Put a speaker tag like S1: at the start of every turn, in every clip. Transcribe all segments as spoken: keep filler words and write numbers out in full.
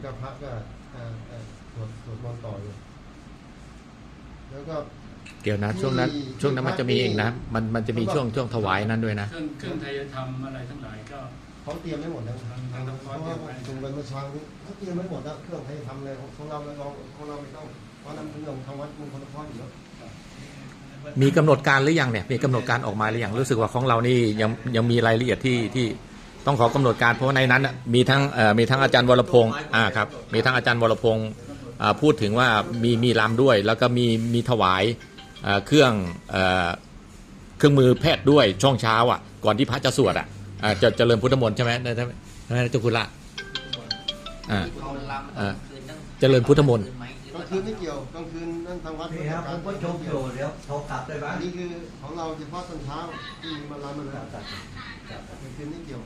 S1: ก็พระก็สวดสวดมนต์ต่ออยู่แล้วก็
S2: เดี๋ยวนะช่วงนั้นช่วงนั้นมันจะมีเองนะมันมันจะมีช่วงช่วงถวายนั้นด้วยนะ
S3: เครื่องเครื่องไทยธรรมอะไรทั้งหลายก็
S1: เขาเตรียมไม่หมดแล้วเพราะว่าตรงไปเมื่อเช้านี้เขาเตรียมไม่หมดแล้วเครื่องไทยทำเลยของเราเราของเราไม่ต้องเพราะนั้นเป็นเรื่องทางวัดมงคลพรอยู่แล้ว
S2: มีกำหนดการหรือยังเนี่ยมีกำหนดการออกมาหรือยังรู้สึกว่าของเรานี่ยังยังมีรายละเอียดที่ที่ต้องขอกำหนดการเพราะในนั้นมีทั้งมีทั้งอาจารย์วรพงศ์อ่าครับมีทั้งอาจารย์วรพงศ์พูดถึงว่ามีมีรำด้วย แล้วก็มีมีถวายเครื่องเครื่องมือแพทย์ด้วยช่วงเช้าอ่ะก่อนที่พระจะสวดอ่ะจะเจริญพุทธมนต์ใช่ไหมใช่ไหมใช่ไหมเจ้าคุณละอ่าเจริญพุทธมนต์
S1: กลางคืนไม่เกี่ยวกลางคืนนั่นทางวัด
S4: ครับผมก็ชมอยู่เดี๋ยวโทรกลับได้ไหม
S1: นี่คือของเราเฉพาะตอนเช้าที่มาลามันแล้วกลางคืนไม่เกี่ยว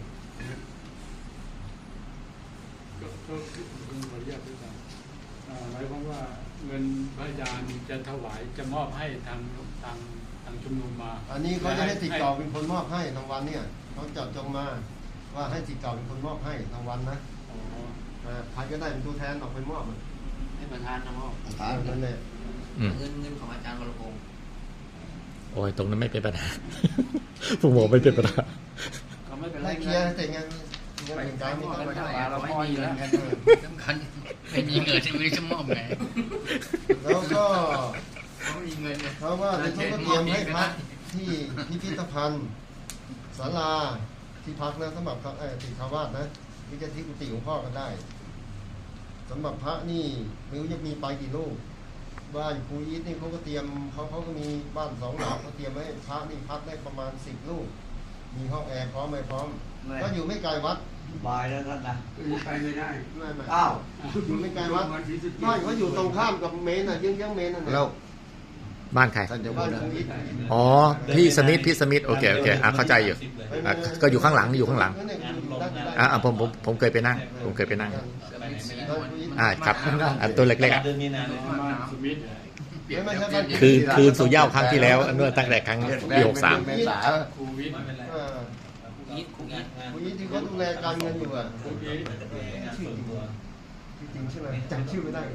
S3: ก็ก็คือขออนุญาตด้วยกันหมายความว่าเงินพระอาจารย์จะถวายจะมอบให้ทางทางทางชุมนุมมา
S1: อันนี้เขาจะให้ติดต่อเป็นคนมอบให้ทางวันเนี่ยเขาจัดจงมาว่าให้ติดต่อเป็นคนมอบให้ทางวันนะใครก็ได้เป็นตัวแทนออกไปมอบ
S5: ให้ประธานนะมอบ
S1: ประธานนั่นแหละ
S5: เงินเงินของอาจารย์วรพงศ์
S2: โอ้ยตรงนั้นไม่เป็นปัญหาผมบอกไม่เป็นปัญหา
S5: เขาไม่เป็นไร
S1: เคลียร์แต่งานเงินเป็นการไม่ต้องไปหา
S5: เราไม่มีแล้วสำคัญไม่มีเงินที่มือจะมอบไง
S1: แล้วก็
S5: เขามีเงิน
S1: เพราะว่าเขาก็เตรียมให้พักที่พิพิธภัณฑ์ศาลาที่พักนะสำหรับเออติดคาวาสนะนี่จะที่กุฏิของพ่อกันได้สำหรับพระนี่ไม่รู้จะมีไปกี่ลูกบ้านครูอีทนี่เขาก็เตรียมเขาเขาก็มีบ้านสองหลังเขาเตรียมไว้พระนี่พักได้ประมาณสิบลูกมีห้องแอร์พร้อมไหมพร้อมก็อยู่ไม่ไกลวัด
S4: บายแล้วท่านนะ
S3: ไปไม่ได้
S1: ไม่ไม่
S4: อ้าว
S1: อยู่ไม่ไกลวัดบ้านเขาอยู่ตรงข้ามกับเมนอ่ะเยื้องเยื้องเมนนั่นแหละ
S2: บ้านใคร
S1: บ้านครูอีท
S2: อ๋อพี่สมิธพี่สมิธโอเคโอเคอ่ะเข้าใจอยู่อ่ะก็อยู่ข้างหลังอยู่ข้างหลังอ่ะผมผมผมเคยไปนั่งผมเคยไปนั่งอ่าครับอันตัวเล็กๆอ่ะคือคืนสู่เหย้าครั้งที่แล้วเมื่อตั้งแต่ครั้งปีหกสาม
S1: ครูวิทย์ครูวิทย์ที่เขาดูแลการเงินอยู่อ่ะจริงใช่ไหมจำชื่อไม่ได้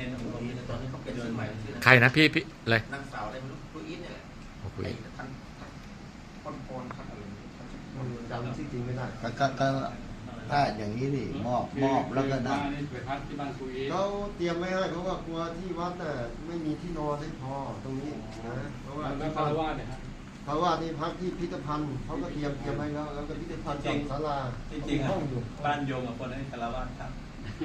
S2: ใครนะพี่พี่อะไร
S5: นางสาวอะไรไม่รู้ครูอีทเนี่ยแหละ
S2: ครูอีท
S5: ท่านพอนพรท่านอะไร
S1: จำชื่อจริงไม่ได้
S4: ก็ถ้าอย่างนี้นี่มอบมอบแล้วก็ได้
S1: เขาเตรียมไว้ให้เพราะว่ากลัวที่วัดน่ะไม่มีที่นอนให้พอตรงนี้นะเพราะว่า
S3: ที่พระวาดเนี่ย
S1: พระวาดนี่พักที่พิพิธภัณฑ์เขาก็เตรียมเตรียมไว้แล้วแล้วก็พิพิธภัณฑ์ศาลา
S6: จริงๆห้องอยู่บ้านโยมกับคนให้คารวะครับ